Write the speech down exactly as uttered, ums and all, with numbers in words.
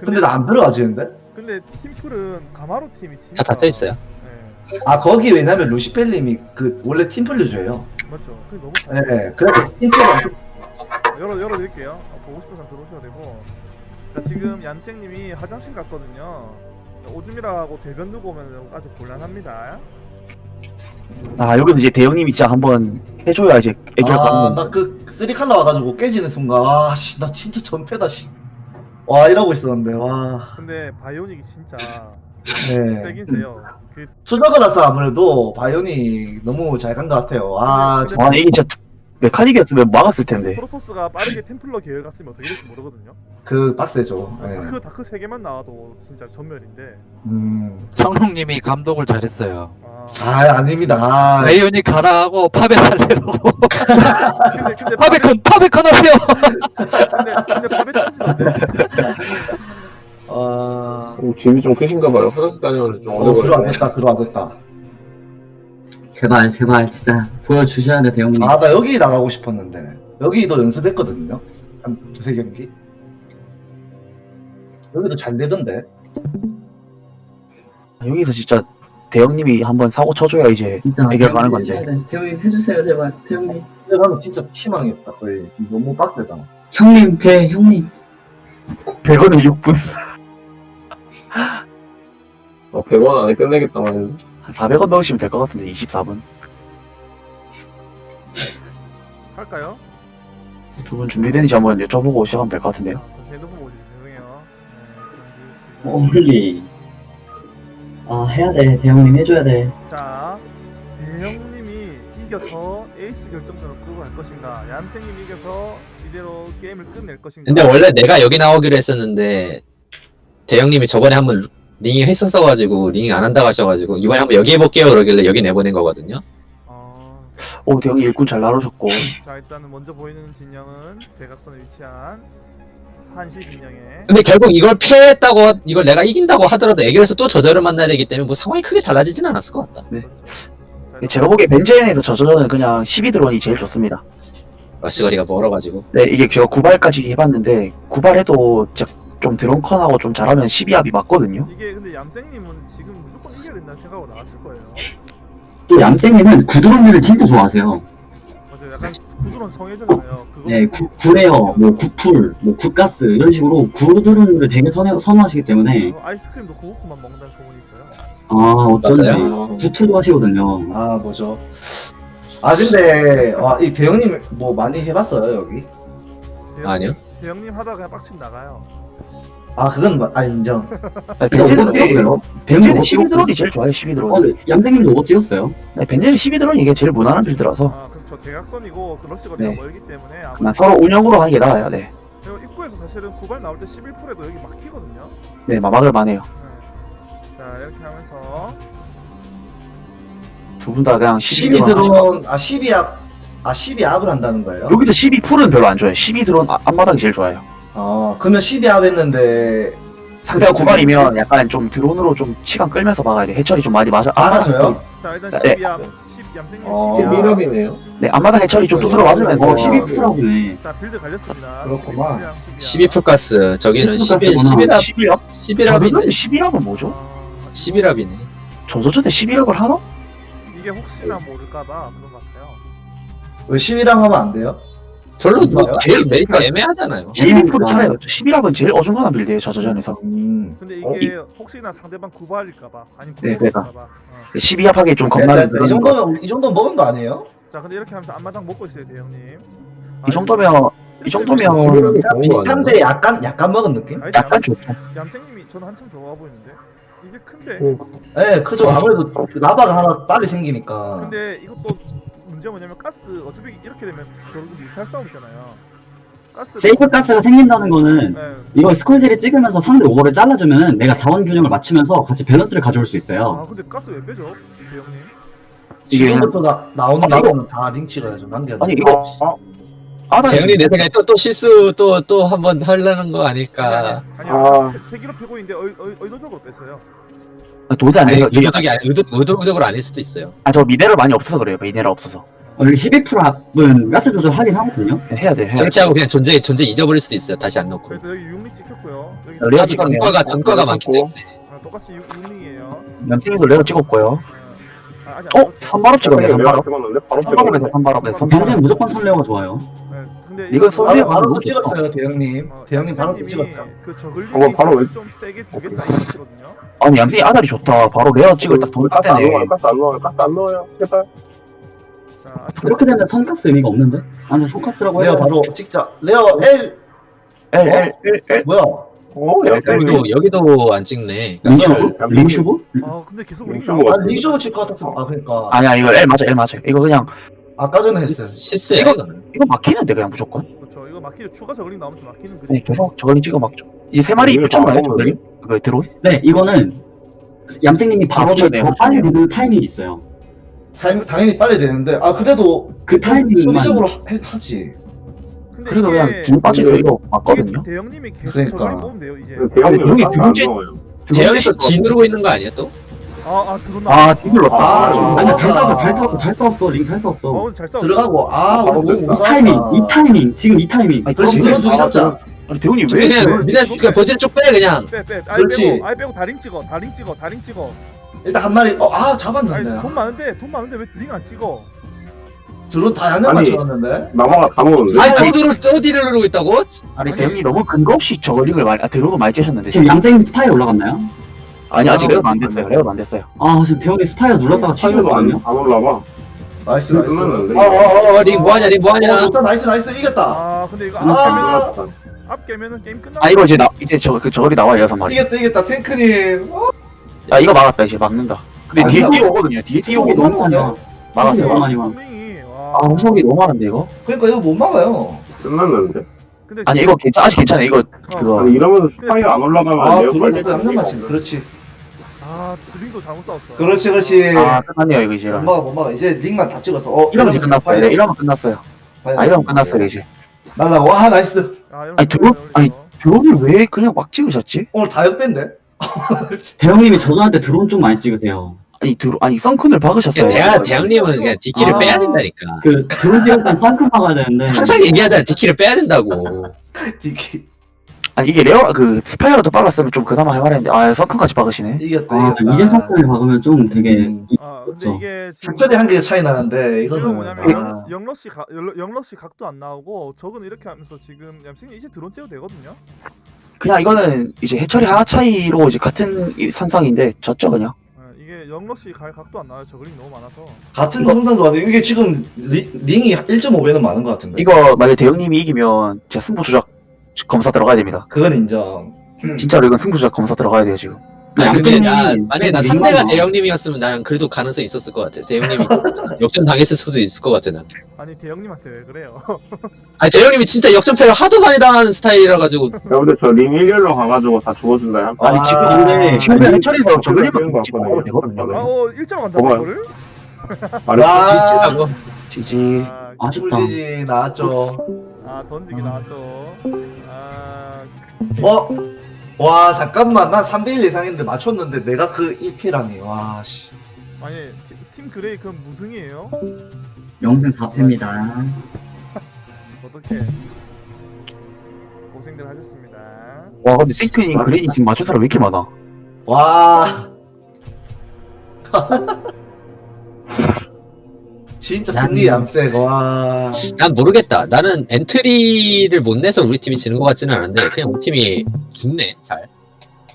근데 나 안 들어가지는데? 근데 팀플은 가마로 팀이 진짜 다 닫혀 있어요. 네, 아 거기 왜냐면 루시펠님이 그 원래 팀플류주예요. 맞죠. 그게 너무 네, 그래서 팀플 열어 열어드릴게요. 어, 보고 싶은 사람 들어오셔도 되고. 자, 지금 얌생님이 화장실 갔거든요. 오줌이라고 대변 두고 오면 아주 곤란합니다. 아 여기서 이제 대형님이 진짜 한번 해줘야 이제 애결 가는 건데. 아나그 쓰리 칼라 와가지고 깨지는 순간 아씨 나 진짜 전패다 씨. 와 이러고 있었는데 와. 근데 바이오닉이 진짜 네. 세긴 세요. 그 수저가라서 아무래도 바이오닉 너무 잘 간 것 같아요. 아 근데- 아 이게 진짜 메카닉이었으면 막았을 텐데. 프로토스가 빠르게 템플러 계열 갔으면 어떻게 될지 모르거든요. 그 빡세죠. 네. 다크 다크 세 개만 나와도 진짜 전멸인데. 음. 성룡님이 감독을 잘했어요. 아, 아 아닙니다. 아, 레이온이 가라하고 파베 살레라고. 근데 근데 파베컨 파베컨 하세요. 근데 근데 밥에 던지던데. 아. 오, 집이 좀 크신가 봐요. 화장실 다녀오는 좀 오래 어, 걸리네. 들어왔다 들어왔다. 제발 제발 진짜 보여주셔야 돼 대형님. 아 나 여기 나가고 싶었는데 여기도 연습했거든요. 한 두세 경기. 여기도 잘 되던데. 여기서 진짜 대형님이 한번 사고 쳐줘야 이제 진짜 애결 가는 대형님 건데. 해줘야 돼. 대형님 해주세요 제발 대형님. 근데 나는 진짜 희망이었다 거의. 너무 빡세다. 형님 대 형님. 백 원을 육 분. 어, 백 원 안에 끝내겠다만. 한 사백 원 넣으시면 될 것 같은데 이십사 분. 할까요? 두 분 준비되는지 한번 여쭤보고 시작하면 될 것 같은데요. 아, 잠시 핸드폰 보지 죄송해요. 네, 그럼 홀리. 아 해야 돼 대형님 해줘야 돼. 자, 대형님이 이겨서 에이스 결정전을 끌고 갈 것인가, 얌생님이 이겨서 이대로 게임을 끝낼 것인가. 근데 원래 내가 여기 나오기로 했었는데 대형님이 저번에 한번 링이 했었어가지고 링 안 한다고 하셔가지고 이번에 한번 여기 해볼게요 그러길래 여기 내보낸 거거든요. 어, 오 대형님 일꾼 잘 나누셨고. 자 일단은 먼저 보이는 진영은 대각선에 위치한 한시 진영에. 근데 결국 이걸 패했다고 이걸 내가 이긴다고 하더라도 애결에서 또 저절을 만나야 되기 때문에 뭐 상황이 크게 달라지진 않았을 것 같다. 네. 자, 제가 보기에 벤젠에서 저저는 그냥 십이 드론이 제일 좋습니다. 러시거리가 멀어가지고. 네 이게 제가 구발까지 해봤는데 구발해도 진짜 좀 드론컨하고 좀 잘하면 십이 합이 맞거든요. 이게 근데 얌생님은 지금 무조건 이겨야 된다는 생각으로 나왔을 거예요. 또 얌생님은 구드론류를 진짜 좋아하세요. 맞아요. 약간 구두론 성애잖아요. 그거 네, 구, 구레어, 뭐 구풀, 뭐 구가스 이런 식으로 구드론을 되게 선호, 선호하시기 때문에 어, 아이스크림도 구우쿠만 먹는다는 소문이 있어요. 아 어쩐지 맞아요. 구투도 하시거든요. 아 뭐죠? 아 근데 와, 이 대형님 뭐 많이 해봤어요 여기? 대형님, 아니요. 대형님 하다가 그냥 빡침 나가요. 아 그건 마- 아 인정. 아니, 벤젠은 벤젠은 찍었어요. 벤젠은 십이 드론이 제일 좋아요. 십이 드론. 어, 네, 얌생님도 오버 찍었어요. 네, 벤젠은 십이 드론이 이게 제일 무난한 빌드라서 아 그렇죠. 대각선이고 그 러시거리가 네. 멀기 때문에 그냥 아무래도 서로 운영으로 하는 게 나아요. 네, 그리고 입구에서 사실은 구발 나올 때 십일 프로에도 여기 막히거든요. 네 마막을 만해요. 네. 자 이렇게 하면서 두 분 다 그냥 십이 십이 드론. 하시고. 드론 아 십이 압, 아 십이 압을 한다는 거예요? 여기서 십이 풀은 별로 안 좋아요. 십이 드론 아- 앞마당이 제일 좋아요. 어 그러면 십이 압 했는데 상대가 구발이면 약간 좀 드론으로 좀 시간 끌면서 막아야 돼. 해처리 좀 많이 맞아. 알아줘요? 자 일단 네. 십이 압, 십 얌생님 어. 십이 압. 미럽이네요. 네, 앞마당 해처리 좀 두드려 맞으면 어, 뭐 십이 프로네. 자 빌드 갈렸습니다. 그렇구만. 십이 압, 십이 압. 십이 풀가스 저기는 십이 십일, 풀가스구나. 십일 합, 십일 합? 십일 합이네. 저는 십일 합은 뭐죠? 어, 십일 합이네. 저저전에 십일 합을 하나? 이게 혹시나 모를까봐 그런 것 같아요. 왜 십이랑 하면 안 돼요? 별로 뭐 뭐요? 제일 메리가 애매하잖아요. 십이 풀은 차라리 낫죠. 십일 합은 제일 어중간한 빌드예요. 저저전에서. 음. 근데 어, 이게 혹시나 상대방 구발일까봐 아니면 네, 구발일까봐. 어. 십이 합하기 좀 이 겁나는 그런 거. 정도면 이 정도 먹은 거 아니에요? 자 근데 이렇게 하면서 앞마당 먹고 있어요 대형님. 이 정도면 이 정도면 미럽이 좋은 거 비슷한데 약간 약간 먹은 느낌? 아니, 약간 얌- 좋죠. 얌생님이 저는 한참 좋아 보이는데 이게 큰데. 아니야? 네, 크죠. 아무래도 그 라바가 하나 빨리 생기니까. 근데 이것도 문제가 뭐냐면 가스 어차피 이렇게 되면 결국 뮤탈 싸움 있잖아요. 가스. 세이프 가스가 생긴다는 거는 네. 이거 스콜지를 찍으면서 상대 오버를 잘라주면 내가 자원 균형을 맞추면서 같이 밸런스를 가져올 수 아 있어요. 근데 가스 왜 빼죠 대형님? 이게 지금부터 나, 나오는 아니, 라바는 다 링치가 좀 남겨. 아니 이거 어? 아다 대형님 내 생각에 또 또 실수 또 또 한번 하려는 거 아닐까. 아니 아. 아니 세 기로 패고 있는데 의, 의, 의도적으로 뺐어요. 도대 안 아니 돼요. 의도적이 아니 의도 의도적으로 아닐 수도 있어요. 아저 미네랄 많이 없어서 그래요. 미네랄 없어서. 원래 십일 퍼센트 앞은 가스 조절 하긴 하거든요. 해야 돼 해야 돼. 저렇게 하고 그냥 존재 존재 잊어버릴 수도 있어요. 다시 안 넣고. 그래도 여기 육리 찍혔고요. 여기 레어 아직 찍었네요. 전과가 전과가 많기 때문에. 아, 똑같이 육리예요. 남팀도 레어 찍었고요. 아, 아직 안 어? 선발업 찍었네 내가 선발업. 찍었는데 바로 선발업에서 선발업에서 굉장히 선발업. 무조건 선레어가 좋아요. 네, 근데 이거 이거 선레어 바로, 바로 너무 또 좋다. 찍었어요 대형님. 어, 대형님 바로 또 얌생님이 찍었어요. 그 저글링 어, 바로 왜- 좀 세게 주겠다 이거거든요. 아니 얌생이 아다리 좋다. 바로 레어 찍을 딱 돈을 가스 안 따대네. 넣어요. 가스 안 넣어요. 가스 안 넣어요. 제발. 자, 아직 이렇게 되면 선가스 의미가 없는데? 아니 선가스라고 레어 해요. 바로 찍자. 레어 L L L L L. 뭐야? 어, 여기도 여기도 안 찍네. 링슈브? 링슈브? 아 근데 계속 링 링슈브 나와. 아 리쇼브 칠것 같았어. 아 그러니까 아니야 이거 L 맞아 L 맞아. 이거 그냥 아까 전에 했어요. 실수야 이거- 이거는. 이거 막히는데 그냥 무조건. 그렇죠. 이거 막히죠. 추가 저글링 나오면서 막히는 네, 그림. 계속 저걸링 찍어 막죠. 이제 세 마리 이거 붙였나요 다 저걸링? 그 드론? 네, 이거는 얌생님이 바로 아, 그러네, 더 빨리 그러네. 되는 타이밍이 있어요. 타임, 당연히 빨리 되는데 아 그래도 그 타이밍만 수비적으로 하- 해- 하지. 근데 그래도 이게- 그냥 긴 빠져서 이거 맞거든요. 이게 대형님이 계속 그러니까. 저글링 뽑으면 돼요 이제. 대형님 형이 가스 안 등지- 넣어요. 대형에서 G 누르고 있는 거 아니야 또? 아아 들어온다. 아 뒤눌렀다. 아, 아, 좀- 아니 어, 잘 아. 싸웠어, 잘 싸웠어, 잘 싸웠어, 링 잘 싸웠어. 어, 잘 싸워. 들어가고 아 바로 우리 너무 됐다. 무서웠다. 타이밍, 이 타이밍, 지금 이 타이밍. 아니, 그렇지 그럼 드론 두개 잡자. 아니 대훈이 왜? 그냥 왜- 그냥 그냥 버튼 쭉빼 그냥. 빼 빼. 아이 그렇지. 빼고 아이 빼고 다링 찍어. 다링 찍어. 다링 찍어. 일단 한 마리 어아 아니 잡았는데. 돈 많은데 돈 많은데 왜 링 안 찍어? 드론 다 양념 아니. 맞춰놨는데. 나마가 다 먹었는데. 아니 또 누르 또 뒤를 누르고 있다고? 아니 대훈이 너무 근거 없이 저걸링을 많이 아 드론을 많이 째셨는데. 지금 얌생 스파이 올라갔나요? 아니 아직 아, 레어는 안 됐어요. 레어는 안 됐어요. 아, 지금 대형이 스파이어 눌렀다가 사이드도 안, 치셨거든요. 안 올라가. 나이스 나이스. 끝났는데. 어어어 링 뭐하냐 링 어 뭐하냐. 좋다 나이스 나이스 이겼다. 아 근데 이거 아. 앞 깨면 앞 깨면은 게임 끝나. 아 이거 이제 나 이제 저 그 저걸이 나와요 여섯 마리. 이겼다 이겼다 탱크님. 어, 야 이거 막았다 이제 막는다. 근데 아, 뒤에 이거- 뛰어오거든요. 뒤에 뛰어오고 후속이 너무 너무 많아. 막았어요. 후속이 많이 와. 링이 와. 아 후속이 너무 많은데 이거? 그러니까 이거 못 막아요. 끝났는데. 근데 아니 이거 괜찮 아직 괜찮아 이거 그거. 아니, 이러면서 스파이 안 올라가면 아 내가 드론 빨리 또 양념 맞추. 없네. 그렇지. 아 드링도 잘못 싸웠어. 그렇지 그렇지. 아 끝났네요 이거 이제. 못 막아 못 막아. 이제 링만 다 찍어서. 어 이러면 이제 끝났어요. 네, 이러면 끝났어요. 아 이러면 끝났어요 이제. 날라 와 나이스. 아, 이런 아니, 거 드론- 올리죠. 아니, 드론을 왜 그냥 막 찍으셨지? 오늘 다 역밴데. 대형님이 저전할 때 드론 좀 많이 찍으세요. 아니 드론 아니 썬큰을 박으셨어요. 내가 대형님은 그냥 디키를 아. 빼야 된다니까. 그 드론 찍을 땐 쌍큼 막아야 되는데. 항상 얘기하잖아 디키를 빼야 된다고. 디키 아니 이게 레어 그 스파이어라도 빨랐으면 좀 그나마 할만했는데 아 썬큰까지 박으시네. 이겼다 아, 이겼다. 이제 쌍큼을 박으면 좀 되게. 음. 아 근데 그렇죠. 이게 지금 팩тор이 한 개 차이 나는데 지금 이거는 뭐냐면 아, 영- 영러시 각 영- 영러시 각도 안 나오고 적은 이렇게 하면서 지금 얌생이 이제 드론 째도 되거든요. 그냥 이거는 이제 해처리 하나 차이로 이제 같은 이 선상인데 졌죠 그냥. 예, 이게 영러시 갈 각도 안 나와요. 저글링 너무 많아서. 같은 성산도 아니고 이게 지금 리, 링이 일 점 오 배는 많은 것 같은데. 이거 만약에 대형님이 이기면 제가 승부 조작 검사 들어가야 됩니다. 그건 인정. 진짜로 이건 승부 조작 검사 들어가야 돼요 지금. 아니, 근데 얌생님이 나, 만약에 나 링만 상대가 나와. 대형님이었으면 나는 그래도 가능성이 있었을 것 같아. 대형님이 역전 당했을 수도 있을 것 같아 난. 아니 대형님한테 왜 그래요? 아니 대형님이 진짜 역전패를 하도 많이 당하는 스타일이라 가지고. 야, 근데 저 링 일렬로 가가지고 다 죽어준다. 야. 아니 아, 지금 근데 지금 해처리에서 저글링만 그런 거 찍고 같거든요. 가면 되거든요. 아어 일자로 간다 뭐가? 이거를? 말했어. 와 지지하고. 지지. 아, 아쉽다. 꿀지지 나왔죠. 아 던지기 나왔죠. 아 어? 와 잠깐만 난 삼 대 일 예상했는데 맞췄는데 내가 그 일 피라니 와씨. 아니 팀, 팀 그레이 그럼 무승이에요? 영생 사 패입니다. 어떻게 고생들 하셨습니다. 와 근데 싱크님 그레이 지금 맞춘 사람 왜 이렇게 많아? 와. 진짜 승리 얌색 와. 난 모르겠다. 나는 엔트리를 못 내서 우리 팀이 지는 것 같지는 않은데 그냥 우리 팀이 좋네 잘.